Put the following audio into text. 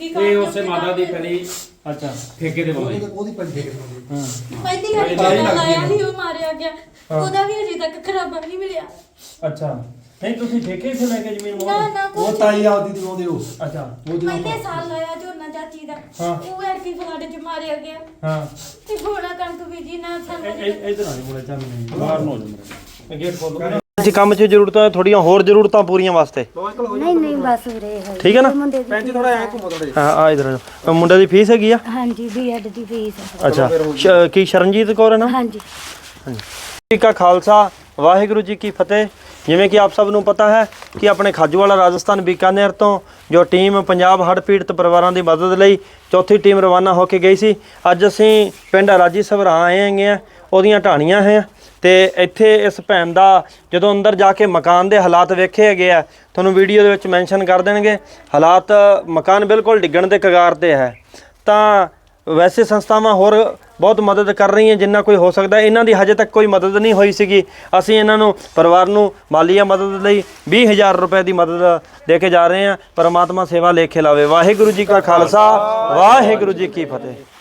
ਕੀ ਇਹ ਉਸੇ ਮਾਤਾ ਦੀ ਪਹਿਲੀ ਅੱਛਾ ਠੇਕੇ ਦੇ ਬੋਲੇ ਉਹਦੀ ਪੰਜ ਠੇਕੇ ਤੇ ਹਾਂ ਪਹਿਲੀ ਵਾਰੀ ਜਿਹੜਾ ਲਾਇਆ ਸੀ ਉਹ ਮਾਰਿਆ ਗਿਆ ਉਹਦਾ ਵੀ ਅਜੇ ਤੱਕ ਖਰਾਬਾ ਨਹੀਂ ਮਿਲਿਆ ਅੱਛਾ ਨਹੀਂ ਤੁਸੀਂ ਠੇਕੇ ਸੇ ਲੈ ਕੇ ਜ਼ਮੀਨ ਨਾ ਨਾ ਉਹ ਕੁਛ ਤਾਈ ਆਪਦੀ ਦੀ ਉਹਦੇ ਉਹ ਅੱਛਾ ਉਹਦੇ ਪਹਿਲੇ ਸਾਲ ਲਾਇਆ ਝੋਨਾ ਚਾਚੀ ਦਾ ਹਾਂ। ਉਹ ਐਰਕੀ ਫਲੱਡ ਚ ਮਾਰਿਆ ਗਿਆ ਹਾਂ ਤੇ ਗੋਲਾ ਕਣਕ ਬੀਜੀ ਨਾ ਸਾਨੂੰ ਇਧਰ ਆ ਮੁੰਡੇ ਚੱਲ ਨਹੀਂ ਬਾਹਰ ਨੂੰ ਹੋ ਜਾ ਮੈਂ ਗੇਟ ਖੋਲ ਜੀ ਕੰਮ 'ਚ ਜ਼ਰੂਰਤਾਂ ਥੋੜੀਆਂ ਹੋਰ ਜ਼ਰੂਰਤਾਂ ਪੂਰੀਆਂ ਵਾਸਤੇ ਨਹੀਂ ਨਹੀਂ ਬਸ ਵੀਰੇ ਠੀਕ ਹੈ ਨਾ ਮੁੰਡੇ ਦੀ ਪੈਂਚ ਥੋੜਾ ਐ ਘੁੰਮੋ ਥੋੜੇ ਹਾਂ ਆ ਇਧਰ ਮੁੰਡੇ ਦੀ ਫੀਸ ਹੈਗੀ ਆ ਹਾਂਜੀ ਬੀਐਡ ਦੀ ਫੀਸ ਅੱਛਾ ਕੀ ਸ਼ਰਨਜੀਤ ਕੌਰ ਹੈ ਨਾ ਹਾਂਜੀ ਜੀ ਕਾ ਖਾਲਸਾ ਵਾਹਿਗੁਰੂ ਜੀ ਕੀ ਫਤਿਹ। ਜਿਵੇਂ ਕਿ ਆਪ ਸਭ ਨੂੰ ਪਤਾ ਹੈ ਕਿ ਆਪਣੇ ਖਾਜੂਵਾਲਾ ਰਾਜਸਥਾਨ ਬੀਕਾਨੇਰ ਤੋਂ ਜੋ ਟੀਮ ਪੰਜਾਬ ਹੜ੍ਹ ਪੀੜਤ ਪਰਿਵਾਰਾਂ ਦੀ ਮਦਦ ਲਈ ਚੌਥੀ ਟੀਮ ਰਵਾਨਾ ਹੋ ਕੇ ਗਈ ਸੀ। ਅੱਜ ਅਸੀਂ ਪਿੰਡ ਰਾਜੀ ਸਭਰਾ ਆਏ ਹੈਗੇ ਆ, ਉਹਦੀਆਂ ਢਾਣੀਆਂ ਹੈ ਤੇ ਇੱਥੇ ਇਸ ਭੈਣ ਦਾ ਜਦੋਂ ਅੰਦਰ ਜਾ ਕੇ ਮਕਾਨ ਦੇ ਹਾਲਾਤ ਵੇਖੇ ਹੈਗੇ ਆ, ਤੁਹਾਨੂੰ ਵੀਡੀਓ ਦੇ ਵਿੱਚ ਮੈਂਸ਼ਨ ਕਰ ਦੇਣਗੇ। ਹਾਲਾਤ ਮਕਾਨ ਬਿਲਕੁਲ ਡਿੱਗਣ ਦੇ ਕਗਾਰ ਤੇ ਹੈ। ਤਾਂ ਵੈਸੇ ਸੰਸਥਾਵਾਂ ਹੋਰ ਬਹੁਤ ਮਦਦ ਕਰ ਰਹੀਆਂ ਜਿੰਨਾ ਕੋਈ ਹੋ ਸਕਦਾ। ਇਹਨਾਂ ਦੀ ਹਜੇ ਤੱਕ ਕੋਈ ਮਦਦ ਨਹੀਂ ਹੋਈ ਸੀਗੀ। ਅਸੀਂ ਇਹਨਾਂ ਨੂੰ ਪਰਿਵਾਰ ਨੂੰ ਮਾਲੀਆ ਮਦਦ ਲਈ 20,000 ਰੁਪਏ ਦੀ ਮਦਦ ਦੇ ਕੇ ਜਾ ਰਹੇ ਹਾਂ। ਪਰਮਾਤਮਾ ਸੇਵਾ ਲੇਖੇ ਲਾਵੇ। ਵਾਹਿਗੁਰੂ ਜੀ ਕਾ ਖਾਲਸਾ ਵਾਹਿਗੁਰੂ ਜੀ ਕੀ ਫਤਿਹ।